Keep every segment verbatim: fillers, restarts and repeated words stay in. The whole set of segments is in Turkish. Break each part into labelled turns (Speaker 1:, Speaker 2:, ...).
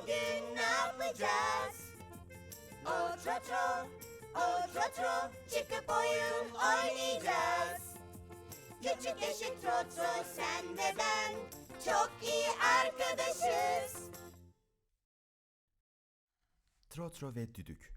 Speaker 1: bugün ne yapacağız? O trotro, o trotro, çıkıp oyun oynayacağız. Küçük eşit trotro, sen ve ben çok iyi arkadaşız.
Speaker 2: Trotro ve Düdük.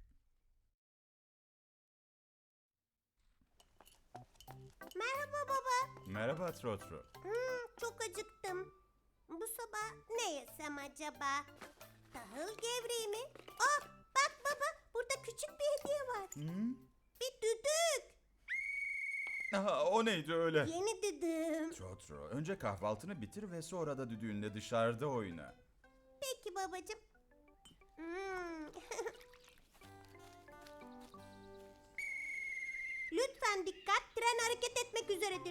Speaker 3: Merhaba baba.
Speaker 2: Merhaba Trotro.
Speaker 3: Hmm, çok acıktım. Bu sabah ne yesem acaba? Tahıl gevreği mi? Ah, bak baba, burada küçük bir hediye var.
Speaker 2: Hı?
Speaker 3: Bir düdük.
Speaker 2: Aha, o neydi öyle?
Speaker 3: Yeni düdüğüm.
Speaker 2: Trotro, önce kahvaltını bitir ve sonra da düdüğünle dışarıda oyna.
Speaker 3: Peki babacığım. Hmm. Lütfen dikkat, tren hareket etmek üzeredir.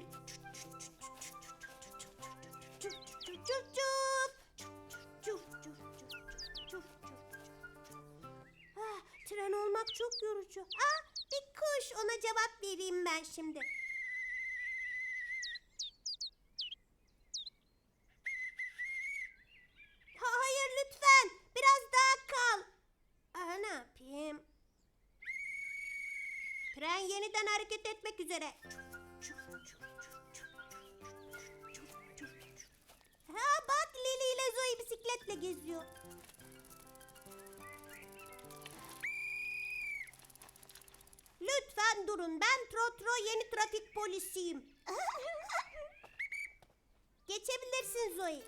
Speaker 3: Çuf çuf çuf çuf çuf. Çuf çuf çuf çuf çuf. Ah, tren olmak çok yorucu. Ah, bir kuş, ona cevap vereyim ben şimdi. Ha, hayır lütfen, biraz daha kal. Aa, ne yapayım? Tren yeniden hareket etmek üzere. Ha bak, Lili ile Zoe bisikletle geziyor. Lütfen durun, ben Trotro, yeni trafik polisiyim. Geçebilirsin Zoe.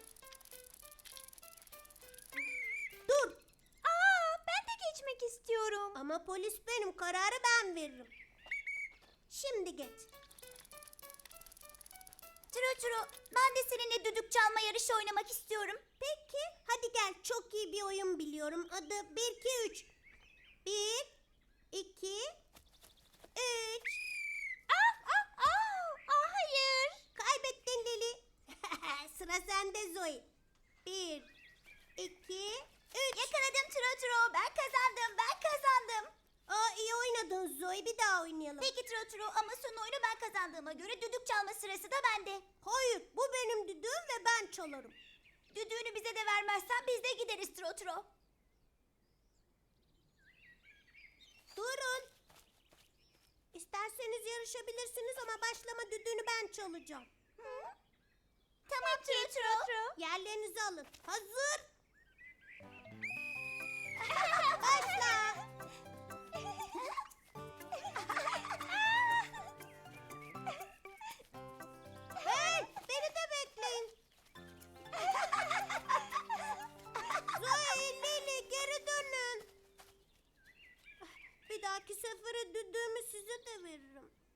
Speaker 3: Dur.
Speaker 1: Aa, ben de geçmek istiyorum.
Speaker 3: Ama polis benim, kararı ben veririm. Şimdi geç.
Speaker 1: Trotro, ben de seninle düdük çalma yarışı oynamak istiyorum.
Speaker 3: Peki, hadi gel, çok iyi bir oyun biliyorum. Adı bir iki üç. bir, iki, üç.
Speaker 1: Ah, ah, ah, ah, hayır.
Speaker 3: Kaybettin Lili. Sıra sende Zoe. bir, iki, üç.
Speaker 1: Yakaladım Trotro, ben kazandım, ben kazandım.
Speaker 3: Aa, iyi oynadın Zoe, bir daha oynayalım.
Speaker 1: Peki Trotro, ama son oyunu ben kazandığıma göre düdük çalma sırası da bende.
Speaker 3: Hayır, bu benim düdüğüm ve ben çalarım.
Speaker 1: Düdüğünü bize de vermezsen biz de gideriz Trotro.
Speaker 3: Durun. İsterseniz yarışabilirsiniz ama başlama düdüğünü ben çalacağım.
Speaker 1: Tamam Trotro.
Speaker 3: Yerlerinizi alın. Hazır. Başla. Hey, beni de bekleyin. Zoe, Lili, geri dönün. Bir dahaki sefere düdüğümü size de veririm.